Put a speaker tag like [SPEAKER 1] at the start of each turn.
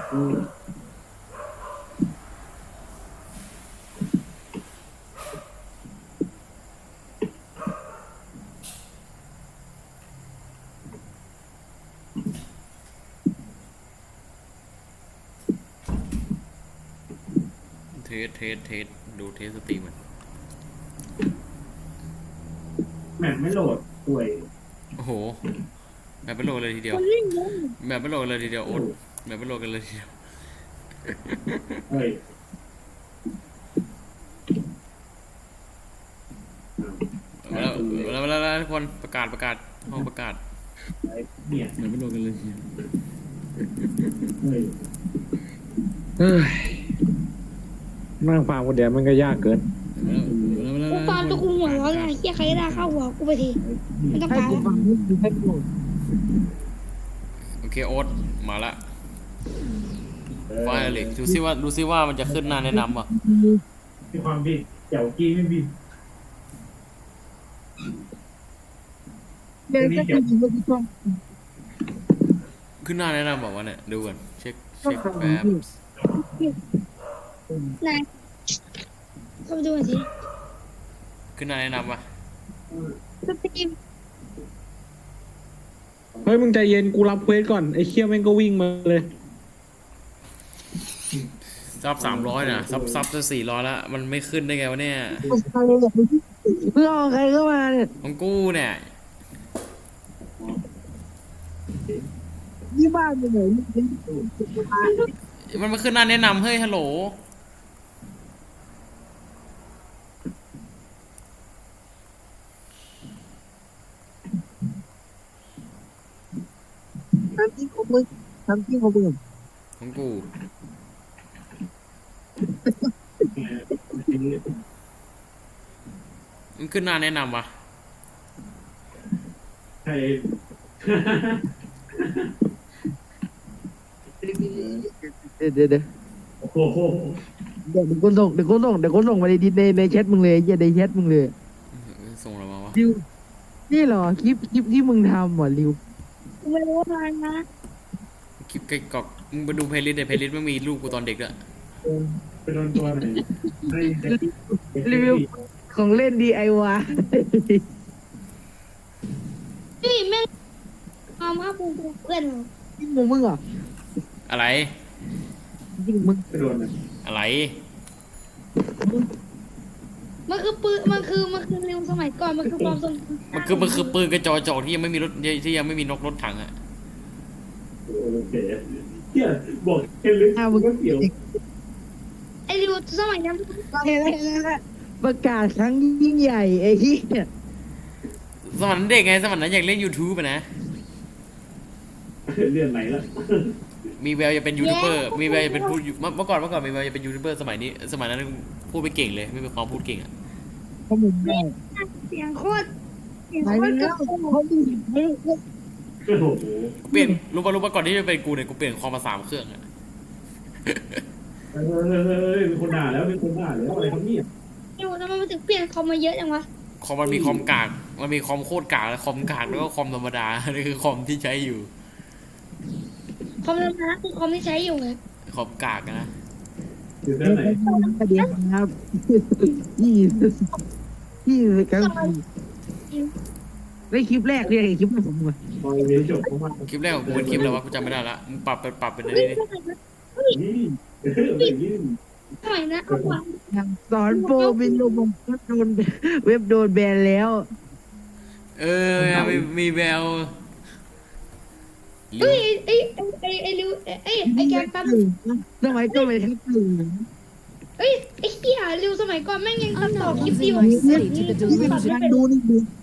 [SPEAKER 1] เทสดูเทสสตรีมมัน
[SPEAKER 2] แมปไม่โหลดป่วย
[SPEAKER 1] โอ้โหแบบไม่โหลดเลยทีเดียวแบบไม่โหลดเลยทีเดียวโอ๊ตแบบไม่โหลดกันเลยทีเดียว
[SPEAKER 2] เฮ้ย
[SPEAKER 1] แล้วทุกคนประกาศห้องประกาศ
[SPEAKER 2] เนี่ย
[SPEAKER 1] แบบไม่โหลดกันเลยทีเดียว
[SPEAKER 2] เฮ้ย
[SPEAKER 3] นั่งฟังคนเดียวมันก็ยากเกิน
[SPEAKER 4] กูฟังตัวกูหัวร้อนเลยเฮียใครได้เข้าหัวกูไปทีไม่ต้อง
[SPEAKER 3] ให้
[SPEAKER 4] การ
[SPEAKER 3] กูฟังให้กู
[SPEAKER 1] โอเคโอ๊ตมาละไฟเลยดูซิว่ามันจะขึ้นหน้าแนะนำป่ะ
[SPEAKER 2] มีความบิดเจ้ากี้ไม่บิด
[SPEAKER 3] เดี๋ยวจะกินไปที่ช่อง
[SPEAKER 1] ขึ้นหน้าแนะนำบอกว่าเนี่ยดูก่อนเช็คแป๊บ
[SPEAKER 4] นายเข้าไปดูหน่อยสิ
[SPEAKER 1] ขึ้นหน้าแนะนำป่ะ
[SPEAKER 4] สตรีม
[SPEAKER 3] เฮ้ยมึงใจเย็นกูรับเควสก่อนไอ้เคี้ยวแม่งก็วิ่งมาเลย
[SPEAKER 1] ซับ300นะซับจะ400แล้วมันไม่ขึ้นได้ไงวะเนี่ย
[SPEAKER 3] รอใครเข้ามาเนี่ย
[SPEAKER 1] ของกูเนี่ย
[SPEAKER 3] ที่บ้านไปไหน
[SPEAKER 1] มันมาขึ้นหน้าแนะนำเฮ้ยฮัลโหล
[SPEAKER 3] ทำที่ของมึง
[SPEAKER 1] ของกูมันขึ้นหน้าแนะนำวะ
[SPEAKER 2] ใช่
[SPEAKER 3] เดี๋ยว
[SPEAKER 2] โอ้โห
[SPEAKER 3] เดี๋ยวคนส่งมาในดิสในแชทมึงเลยอย่าในแชทมึงเลย
[SPEAKER 1] ส่งอะไรมาวะ
[SPEAKER 3] ริวนี่เหรอคลิปที่มึงทำเหรอริว
[SPEAKER 4] กูไม่รู้อะไรนะ
[SPEAKER 1] คลิปไก่กอกมึงไปดูเพลย์ลิสต์ในเพลย์ลิสต์มันมีรูปกูตอนเด็กด้วย
[SPEAKER 2] ไปโดนตัวไหน
[SPEAKER 3] รีวิวของเล่น DIY
[SPEAKER 4] เฮ้ยแม่งความภาคภูมิเพื่อนเหรอ
[SPEAKER 3] จริงมึงเหรอ
[SPEAKER 1] อะไร
[SPEAKER 3] จริงมึง
[SPEAKER 2] ไปโดน
[SPEAKER 1] อะไร
[SPEAKER 4] มันคือปืนมันคือเร็วสมัยก่อนมันคือความทรง
[SPEAKER 1] มันคือปืนกระจอกที่ยังไม่มีรถที่ยังไม่มีนกรถถังอ่ะ
[SPEAKER 2] โอเคเฮียบอกเห็นลึกมึงก็เสียว
[SPEAKER 4] ไอ้เร็วสมัยนั้น
[SPEAKER 3] ประกาศครั้งยิ่งใหญ่ไอ้เหี้ย
[SPEAKER 1] สมัยนั้นเด็กไงสมัยนั้นอยากเล่น YouTube อ่ะนะ
[SPEAKER 2] เรื่องไหนล่ะ
[SPEAKER 1] มีแววจะเป็นยูทูบเบอร์มีแววจะเป็นพูดเมื่อก่อนมีแววจะเป็นยูทูบเบอร์สมัยนั้นพูดไม่เก่งเลยไม่มีความพูดเก่งอ่ะ
[SPEAKER 3] ข้อมูลได้
[SPEAKER 4] เสียงโคตร
[SPEAKER 1] เปลี่ยนรู้ป่ะก่อนที่จะเป็นกูเนี่ยกูเปลี่ยนคอมมา3 เครื่องอ่ะ
[SPEAKER 2] มีคนด่าแล้วอะไรครับเนี่ย
[SPEAKER 4] เดี๋ยวทำไมมันถึงเปลี่ยนคอมมาเยอะจังวะ
[SPEAKER 1] คอมมันมีคอมกากมันมีคอมโคตรกากและคอมกากแล้วก็คอมธรรมดานี่คือคอมที่ใช้อยู่
[SPEAKER 4] คอมธรรมดาคือคอมที่ใช้อยู่ไง
[SPEAKER 1] คอมกากนะ
[SPEAKER 2] อยู่ด้านไหน
[SPEAKER 3] ประเด็นครับพี่ครับได้คลิปแรกเลยคลิปแรกผมเลย
[SPEAKER 1] คลิปแรกของกูเป็นคลิปอะไรวะกูจำไม่ได้ละมึงปรับเป็นอะไรนี่
[SPEAKER 4] สมัยนะเอาวะ
[SPEAKER 3] สอนโปรบินลงโดนเว็บโดนแบนแล้ว
[SPEAKER 1] มีแวว
[SPEAKER 4] เฮ้ยไอ้ริวไอ้แกมปั๊ม
[SPEAKER 3] สมัยก่อนไม่ทักเลย
[SPEAKER 4] เฮ้ยไอ้เหี้ยริวสมัยก่อนแม่งยังตัดต่อคลิปดีกว่า
[SPEAKER 3] ดูนี่ดู